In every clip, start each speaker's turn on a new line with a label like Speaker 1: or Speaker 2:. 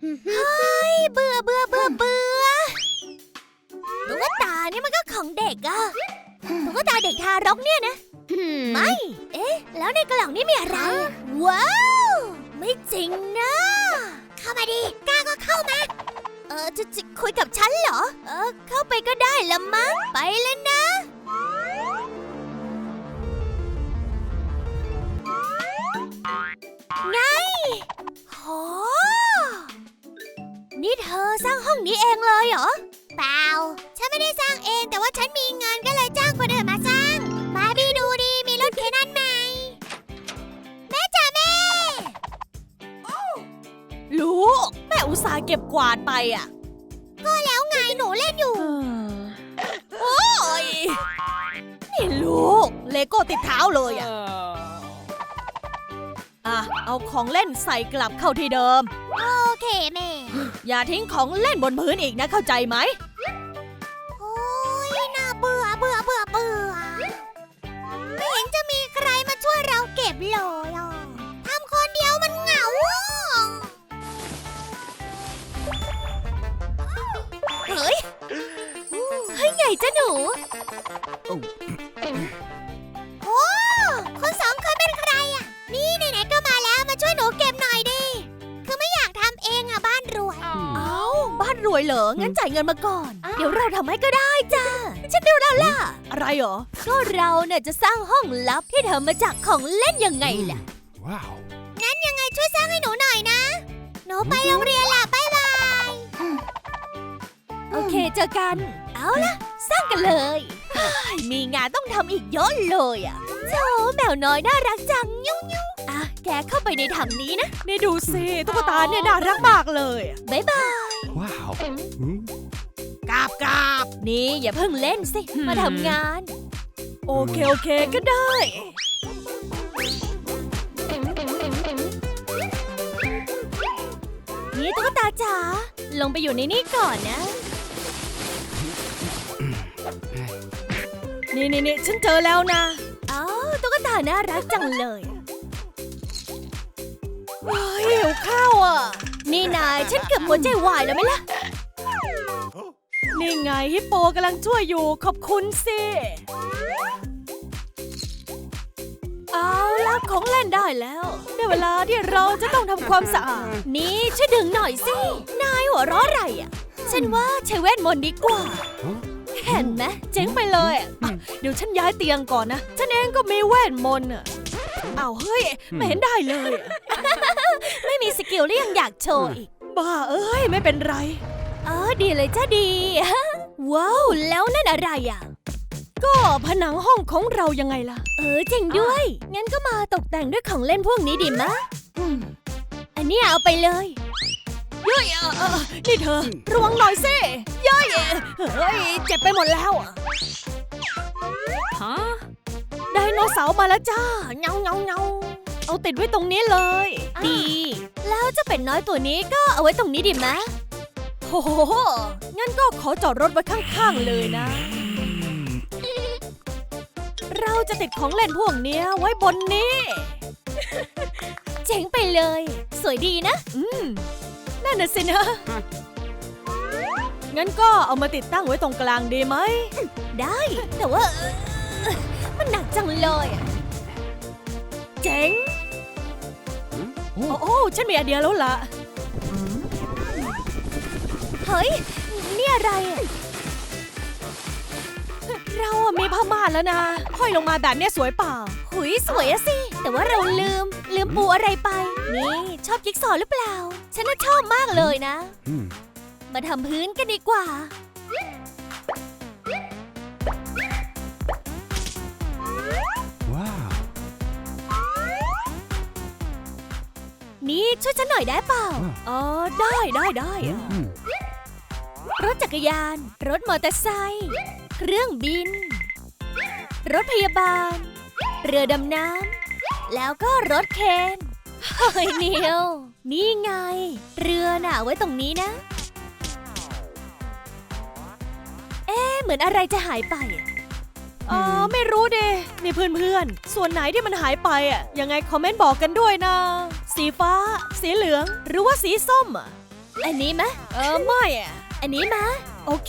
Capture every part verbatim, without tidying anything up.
Speaker 1: เฮ้ยเบื่อเบื่อเบื่อเบื่อตุ๊กตานี่มันก็ของเด็กอะตุ๊กตาเด็กทารกเนี่ยนะไม่เอ๊ะแล้วในกล่องนี่มีอะไรว้าวไม่จริงนะเข้ามาดิกล้าก็เข้ามาเออจะจะคุยกับฉันเหรอเออเข้าไปก็ได้ละมั้งไปแล้วนะไงโหนี่เธอสร้างห้องนี้เองเลยเหรอเปล่าฉันไม่ได้สร้างเองแต่ว่าฉันมีเงินก็เลยจ้างคนอื่นมาสร้างมาบีดูดีมีรถเคนั่นไหมแม่จ๋าแม่
Speaker 2: ลูกแม่อุตส่าห์เก็บกวาดไปอ่ะ
Speaker 1: ก็แล้วไงหนูเล่นอยู่
Speaker 2: โอ้ยนี่ลูกเลโก้ติดเท้าเลยอ่ะอ่ะเอาของเล่นใส่กลับเข้าที่เดิม
Speaker 1: โอเคแม่
Speaker 2: อย่าทิ้งของเล่นบนพื้นอีกนะเข้าใจไหม
Speaker 1: โอ้ยน่าเบื่อเบื่อเบื่อเบื่อไม่เห็นจะมีใครมาช่วยเราเก็บเลยอ่ะทำคนเดียวมันเหงาเฮ้ยเฮ้ยไงจ้ะหนูโอ้คนสองคนเป็นใครอ่ะนี่ไหนๆก็มาแล้วมาช่วยหนูเก็บหน่อยดิคือไม่อยากทำเองอ่ะบ้านรวย
Speaker 2: เอ้าบ้านรวยเหรองั้นจ่ายเงินมาก่อนเดี๋ยวเราทำให้ก็ได้จ้าฉันดูแล้วล่ะอะไรเหรอ
Speaker 1: ก็เราเนี่ยจะสร้างห้องลับที่ทำมาจากของเล่นยังไงล่ะ
Speaker 3: ว้าว
Speaker 1: งั้นยังไงช่วยสร้างให้หนูหน่อยนะหนูไปโรงเรียนล่ะบ๊ายบาย
Speaker 2: โอเคเจอกัน
Speaker 1: เอาล่ะสร้างกันเลย
Speaker 2: มีงานต้องทำอีกเยอะเลยอ่ะ
Speaker 1: โธ่แมวน้อยน่ารักจังยุ่งยุ่งอ่ะแกเข้าไปในถังนี้นะ
Speaker 2: นี่ดูสิตุ๊กตาเนี่ยน่ารักมากเลย
Speaker 1: บ๊ายบาย
Speaker 3: ว้าว
Speaker 2: กาบกาบ
Speaker 1: นี่อย่าเพิ่งเล่นสิมาทำงาน
Speaker 2: โอเคโอเคก็ได้
Speaker 1: นี่ตุ๊กตาจ๋าลงไปอยู่ในนี่ก่อนนะ
Speaker 2: นี่นี่นี่ฉันเจอแล้วนะ
Speaker 1: อ๋อตุ๊กตาน่ารักจังเลย
Speaker 2: เฮ้ยหิวข้าวอ่ะ
Speaker 1: นี่นายฉันเกือบหัวใจวายแล้วไหมล่ะ
Speaker 2: นี่ไงฮิปโปกำลังช่วยอยู่ขอบคุณสิเอาล่ะของเล่นได้แล้วได้เวลาที่เราจะต้องทำความสะอาด
Speaker 1: นี่ช่วยดึงหน่อยสินายหัวเราะอะไรอ่ะฉันว่าใช้เวทมนต์ดีกว่าเห็นไหม
Speaker 2: เจ๋งไปเลยเดี๋ยวฉันย้ายเตียงก่อนนะฉันเองก็มีเวทมนต์อ่ะอ้าวเฮ้ยไม่เห็นได้เลย
Speaker 1: ไม่มีสกิลแล้วยังอยากโชว์อีก
Speaker 2: บ้าเอ้ยไม่เป็นไร
Speaker 1: เออดีเลยจ้าดีว้าวแล้วนั่นอะไรอ่ะ
Speaker 2: ก็ผนังห้องของเรายังไงล่ะ
Speaker 1: เออจริงด้วยงั้นก็มาตกแต่งด้วยของเล่นพวกนี้ดีมะอันนี้เอาไปเลย
Speaker 2: เย้ยนี่เธอระวังหน่อยสิเย้ยเฮ้ยเจ็บไปหมดแล้วฮะไดโนเสาร์มาแล้วจ้าเงาเงาเงาเอาติดไว้ตรงนี้เลย
Speaker 1: ดีแล้วเจ้าเป็ดน้อยตัวนี้ก็เอาไว้ตรงนี้ดีมะ
Speaker 2: โอ้โหงั้นก็ขอจอดรถไว้ข้างๆเลยนะเราจะติดของเล่นพวกนี้ไว้บนนี้
Speaker 1: เจ๋งไปเลยสวยดีนะ
Speaker 2: อืมนั่นน่ะสินะงั้นก็เอามาติดตั้งไว้ตรงกลางดีไหม
Speaker 1: ได้แต่ว่ามันหนักจังเลย
Speaker 2: เจ๋งโอ้โอ้ฉันมีไอเดียแล้วล่ะ
Speaker 1: เฮ้ยนี่อะไร
Speaker 2: เราอะมีผ้าม่านแล้วนะห้อยลงมาแบบนี้สวยเปล่า
Speaker 1: หุยสวยอะสิแต่ว่าเราลืมลืมปูอะไรไปนี่ชอบจิ๊กซอว์หรือเปล่าฉันน่ะชอบมากเลยนะมาทำพื้นกันดีกว่า
Speaker 3: ว้าว
Speaker 1: นี่ช่วยฉันหน่อยได้เปล่า
Speaker 2: อ๋อได้ได้ได้
Speaker 1: รถจักรยานรถมอเตอร์ไซค์เครื่องบินรถพยาบาลเรือดำน้ำแล้วก็รถเคนเฮ้ยเนียวนี่ไงเรือน่ะไว้ตรงนี้นะเอ๊ะเหมือนอะไรจะหายไป
Speaker 2: อ๋อไม่รู้ดินี่เพื่อนๆส่วนไหนที่มันหายไปอ่ะยังไงคอมเมนต์บอกกันด้วยนะสีฟ้าสีเหลืองหรือว่าสีส้มอ่ะ
Speaker 1: อันนี้มะ
Speaker 2: เออไม่อะ
Speaker 1: อันนี้มะ
Speaker 2: โอเค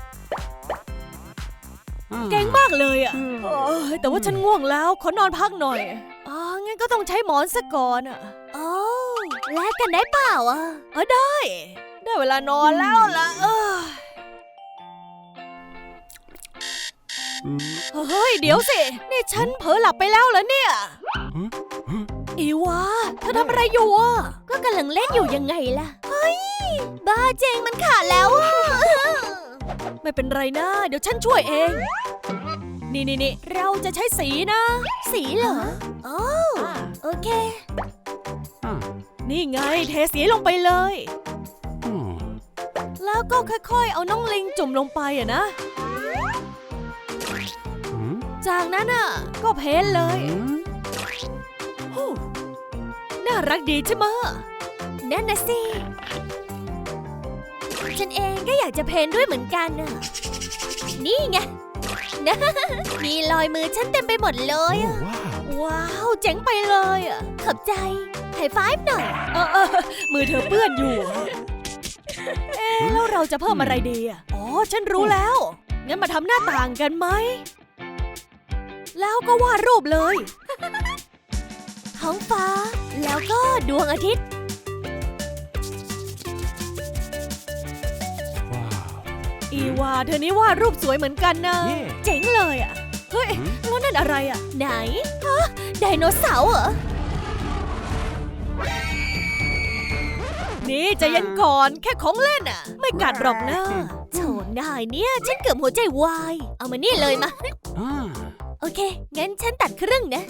Speaker 3: Ah.
Speaker 2: เก่งมากเลยอ่ะเออแต่ว่าฉันง่วงแล้วขอนอนพักหน่อยอ๋องั้นก็ต้องใช้หมอนซะก่อนอ่ะ
Speaker 1: โอ้แลกกันได้เปล่าอ่ะ
Speaker 2: เออได้ ได้เวลานอนแล้วล่ะเออ
Speaker 3: Mm.
Speaker 2: เฮ้ยเดี๋ยวสินี่ฉันเผลอหลับไปแล้วเหรอเนี่ย
Speaker 3: Huh? Huh?
Speaker 2: อีวาเธอทำอะไรอยู่อ่ะ
Speaker 1: ก็กำลังเล่นอยู่ยังไงล่ะ เฮ้ย บ้าเจงมันขาดแล้วอ่ะ
Speaker 2: ไม่เป็นไรนะ เดี๋ยวฉันช่วยเอง นี่นี่นี่เราจะใช้สีนะ
Speaker 1: สีเหรอโอ้โอเค
Speaker 3: Ah.
Speaker 2: นี่ไงเทสีลงไปเลย
Speaker 3: Oh.
Speaker 2: แล้วก็ค่อยๆ เอาน้องลิงจุ่มลงไปอะนะ
Speaker 3: Hmm?
Speaker 2: จากนั้นอ่ะ ก็เพ้นเลย
Speaker 3: Hmm?
Speaker 2: ฮู้น่ารักดีใช่ไหมะ
Speaker 1: นั่นนะสิ ฉันเองก็อยากจะเพ้นด้วยเหมือนกันน่ะ นี่ไง นะ มีรอยมือฉันเต็มไปหมดเลยอะ
Speaker 3: Oh, wow.
Speaker 2: ว้าวเจ๋งไปเลยอ่ะ
Speaker 1: ขอบใจไฮไฟฟ์หน่อย
Speaker 2: เออเออมือเธอเปื้อนอยู่อะเอ๊ะแล้วเราจะเพิ่มอะไรดีอ่ะอ๋อฉันรู้แล้ว งั้นมาทำหน้าต่างกันไหม แล้วก็วาดรูปเลย
Speaker 1: ท้องฟ้า แล้วก็ดวงอาทิตย์
Speaker 3: Wow.
Speaker 2: อีวาเธอนี่วาดรูปสวยเหมือนกันนะ
Speaker 3: เย่
Speaker 2: เจ๋งเลยอ่ะ เฮ้ย
Speaker 3: หืม
Speaker 2: แล้วนั่นอะไรอ่ะ
Speaker 1: ไหนฮะไดโนเสาร์เหรอ
Speaker 2: นี่ใจเย็นก่อนแค่ของเล่นอ่ะ ไม่กัดหรอกนะ
Speaker 1: โถนายเนี่ยฉันเกือบหัวใจวาย เอามานี่เลยมา
Speaker 3: Ah.
Speaker 1: โอเค งั้นฉันตัดครึ่งนะ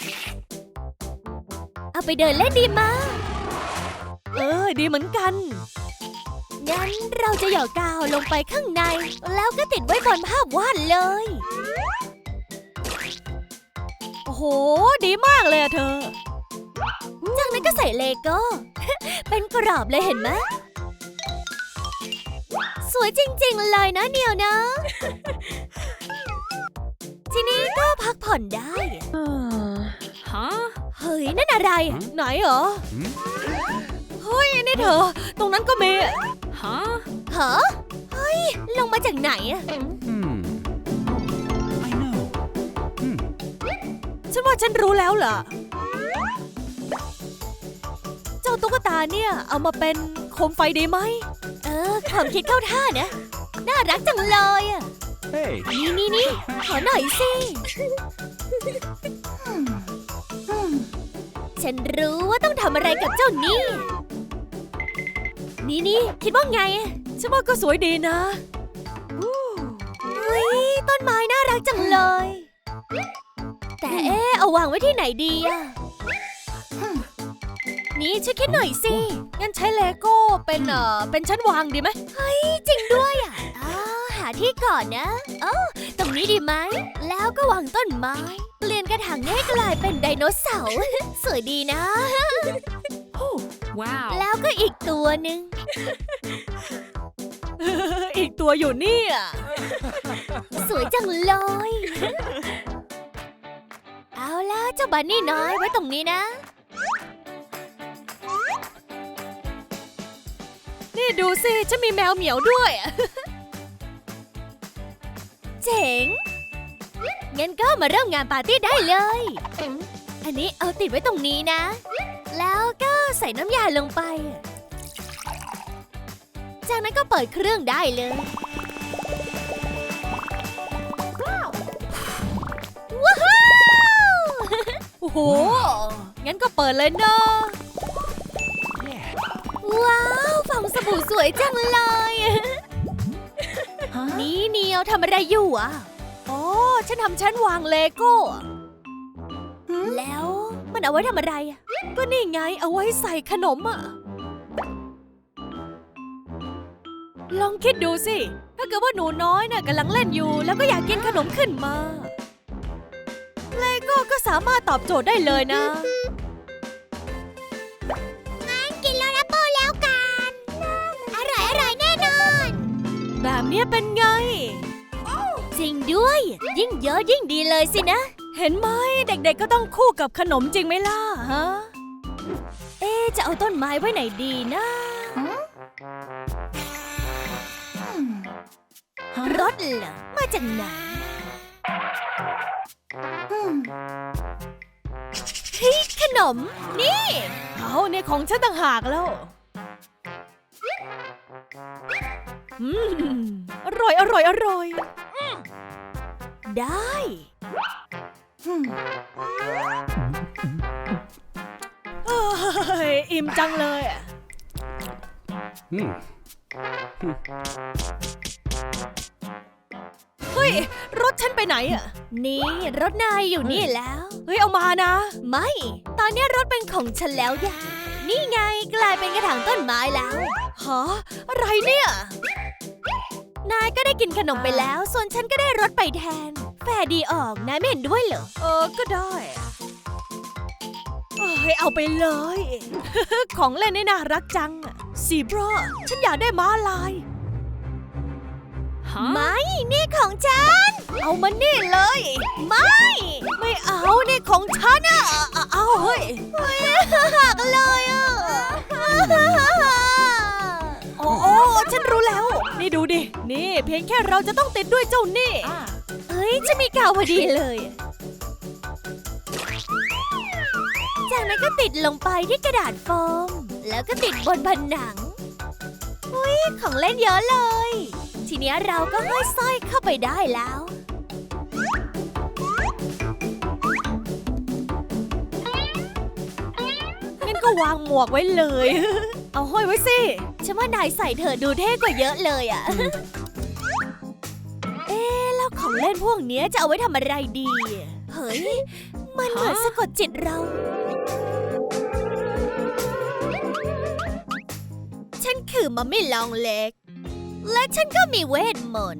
Speaker 1: เอาไปเดินเล่นดีมา
Speaker 2: เออดีเหมือนกัน
Speaker 1: งั้นเราจะหยอดกาวลงไปข้างใน แล้วก็ติดไว้บนภาพวาดเลย
Speaker 2: โอ้โห ดีมากเลยอะเธอ
Speaker 1: จากนั้นก็ใส่เลโก้ เป็นกรอบเลยเห็นไหม สวยจริงๆเลยนะเนียวนะ ทีนี้ก็พักผ่อนได้
Speaker 2: ฮะ
Speaker 1: เฮ้ย นั่นอะไร
Speaker 2: ไหนเหรอ
Speaker 3: Hmm?
Speaker 2: เฮ้ย นี่เธอ ตรงนั้นก็มีฮะ
Speaker 1: เหรอเฮ้ย ลงมาจากไหนอะ
Speaker 3: Hmm. I know. Hmm.
Speaker 2: ฉันว่าฉันรู้แล้วล่ะ เจ้าตุ๊กตาเนี่ย เอามาเป็นโคมไฟดีไหม
Speaker 1: เออ ความคิดเข้าท่านะ น่ารักจังเลยอะ
Speaker 3: Hey.
Speaker 1: นี่นี่นี่ขอหน่อยสิ ฉันรู้ว่าต้องทำอะไรกับเจ้านี่ นี่นี่คิดว่าไงอะ
Speaker 2: ฉันว่าก็สวยดีนะ
Speaker 1: เฮ้ย ต้นไม้น่ารักจังเลย แต่เอ๊ะเอาวางไว้ที่ไหนดีอะนี่ช่วยคิดหน่อยสิ
Speaker 2: งั้นใช้เลโก้เป็นเอ่อ เป็นชั้นวางดีไหม
Speaker 1: เฮ้ย จริงด้วยอ่ะอ้าวหาที่ก่อนนะเอ้าตรงนี้ดีไหม แล้วก็วางต้นไม้ เปลี่ยนกระถางให้กลายเป็นไดโนเสาร์ สวยดีนะ
Speaker 2: ว้าว
Speaker 1: แล้วก็อีกตัวหนึ่ง
Speaker 2: อีกตัวอยู่นี่อ่ะ
Speaker 1: สวยจังเลย เอาล่ะเจ้าบันนี่น้อยไว้ตรงนี้นะ
Speaker 2: นี่ดูสิ ฉันมีแมวเหมียวด้วยอะ
Speaker 1: เจ๋ง งั้นก็มาเริ่มงานปาร์ตี้ได้เลย อันนี้เอาติดไว้ตรงนี้นะ แล้วก็ใส่น้ำยาลงไป จากนั้นก็เปิดเครื่องได้เลย ว้าว
Speaker 2: โอ้โห งั้นก็เปิดเลยเนาะ
Speaker 3: Yeah.
Speaker 1: ว้าวฟองสบู่สวยจังเลย นี่เนียวทำอะไรอยู่อ่ะ
Speaker 2: อ๋อ ฉันทำชั้นวางเลโก้อะ
Speaker 1: แล้วมันเอาไว้ทำอะไรอ่ะ
Speaker 2: ก็นี่ไงเอาไว้ใส่ขนมอ่ะ ลองคิดดูสิ ถ้าเกิดว่าหนูน้อยน่ะกำลังเล่นอยู่ แล้วก็อยากกินขนมขึ้นมา เลโก้ก็สามารถตอบโจทย์ได้เลยนะ
Speaker 1: กินแล้วนะโปแล้วกัน อร่อยอร่อยแน่นอน
Speaker 2: แบบเนี้ยเป็นไง
Speaker 1: จริงด้วย ยิ่งเยอะยิ่งดีเลยสินะ
Speaker 2: เห็นไหมเด็กๆก็ต้องคู่กับขนมจริงไหมล่ะฮะ
Speaker 1: เอ๊ะจะเอาต้นไม้ไว้ไหนดีนะรถเหรอ มาจากไหนเฮ้ยขนม นี่
Speaker 2: เอาเนี่ยของฉันต่างหากแล้วอืมอร่อยอร่อยอร่อย
Speaker 1: ได้
Speaker 2: เอ้ยอิ่มจังเลยอะ
Speaker 3: Hmm.
Speaker 2: เฮ้ย รถฉันไปไหนอะ
Speaker 1: นี่รถนายอยู่นี่แล้ว
Speaker 2: เฮ้ย เอามานะ
Speaker 1: ไม่ ตอนนี้รถเป็นของฉันแล้วยะนี่ไงกลายเป็นกระถางต้นไม้แล้ว
Speaker 2: ฮะ อะไรเนี่ย
Speaker 1: นายก็ได้กินขนมไปแล้ว ส่วนฉันก็ได้รถไปแทน แฟร์ดีออก นายไม่เห็นด้วยเหรอ
Speaker 2: เออ ก็ได้เอ้ยเอาไปเลย ของเล่นนี่น่ารักจังซีบราฉันอยากได้ม้าลายฮะ
Speaker 1: ไม่ นี่ของฉัน
Speaker 2: เอามานี่เลย
Speaker 1: ไม่
Speaker 2: ไม่เอานี่ของฉันอะเอาเอาเฮ้ย
Speaker 1: หักเลยอ่ะ
Speaker 2: โอ้โอ้ฉันรู้แล้ว นี่ดูดิ นี่เพียงแค่เราจะต้องติดด้วยเจ้านี่
Speaker 1: เฮ้ยจะมีกาวพอดีเลย จากนั้นก็ติดลงไปที่กระดาษโฟม แล้วก็ติดบนผนังอุ้ยของเล่นเยอะเลย ทีนี้เราก็ห้อยสร้อยเข้าไปได้แล้ว
Speaker 2: งั้นก็วางหมวกไว้เลย เอาห้อยไว้สิ
Speaker 1: ฉันว่านายใส่เธอดูเท่กว่าเยอะเลยอะ เอ๊ะแล้วของเล่นพวกเนี้ยจะเอาไว้ทำอะไรดี เฮ้ย มันเหมือนสะกดจิตเรา ฉันคือมัมมี่ลองเล็ก และฉันก็มีเวทมนต์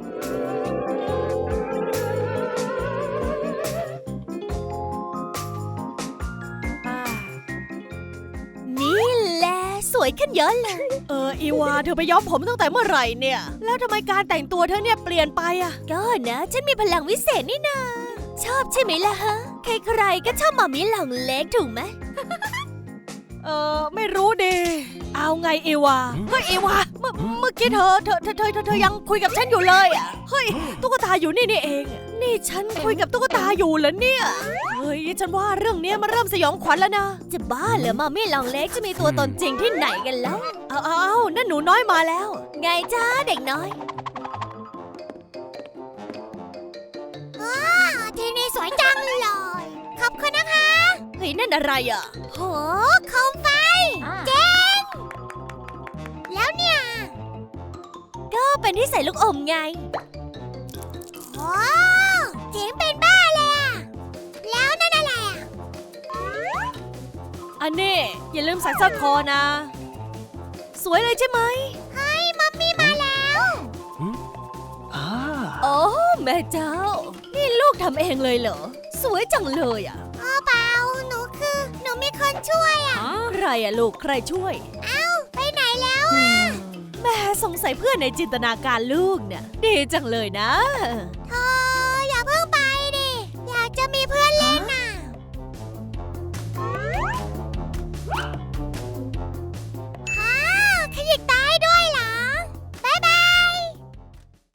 Speaker 1: นี่แหละสวยขึ้นเยอะเลย
Speaker 2: เอออีวาเธอไปย้อมผมตั้งแต่เมื่อไหร่เนี่ย แล้วทำไมการแต่งตัวเธอเนี่ยเปลี่ยนไปอะ
Speaker 1: ก็นะฉันมีพลังวิเศษนี่นา ชอบใช่ไหมล่ะฮะ ใครๆก็ชอบมัมมี่ลองเล็กถูกไหม
Speaker 2: เออไม่รู้ดิเอาไงอีวาเฮ้ยอีวาเมื่อเมื่อกี้เธอเธอเธอเธอเธอเธอยังคุยกับฉันอยู่เลยอะเฮ้ยตุ๊กตาอยู่นี่นี่เอง นี่ฉันคุยกับตุ๊กตาอยู่เหรอเนี่ยเฮ้ยฉันว่าเรื่องเนี้ยมันเริ่มสยองขวัญแล้วนะ
Speaker 1: จะบ้าเหรอมัมมี่ลองเล็กจะมีตัวตนจริงที่ไหนกันแล้ว
Speaker 2: เอาเอาเอานั่นหนูน้อยมาแล้ว
Speaker 1: ไงจ้าเด็กน้อยที่นี่สวยจังเลย ขอบคุณนะคะ
Speaker 2: เฮ้ยนั่นอะไรอ่ะ
Speaker 1: โหโคมไฟ เจ๋ง แล้วเนี่ย ก็เป็นที่ใส่ลูกอมไงโอ้เจ๋งเป็นบ้าเลยอะแล้วนั่นอะไรอะ
Speaker 2: อันนี้อย่าลืมใส่สร้อยคอนะ สวยเลยใช่ไหม
Speaker 1: เฮ้ยมัมมี่มาแล้ว
Speaker 3: Hmm? Ah.
Speaker 2: โอ้แม่เจ้า นี่ลูกทำเองเลยเหรอ สวยจังเลยอ่ะ
Speaker 1: อ๋อเปล่า หนูคือ หนูมีคนช่วยอะ
Speaker 2: ใครอ่ะลูกใครช่วย
Speaker 1: เอ้า ไปไหนแล้วอะ
Speaker 2: แม่สงสัยเพื่อนในจินตนาการลูกเนี่ยดีจังเลยนะ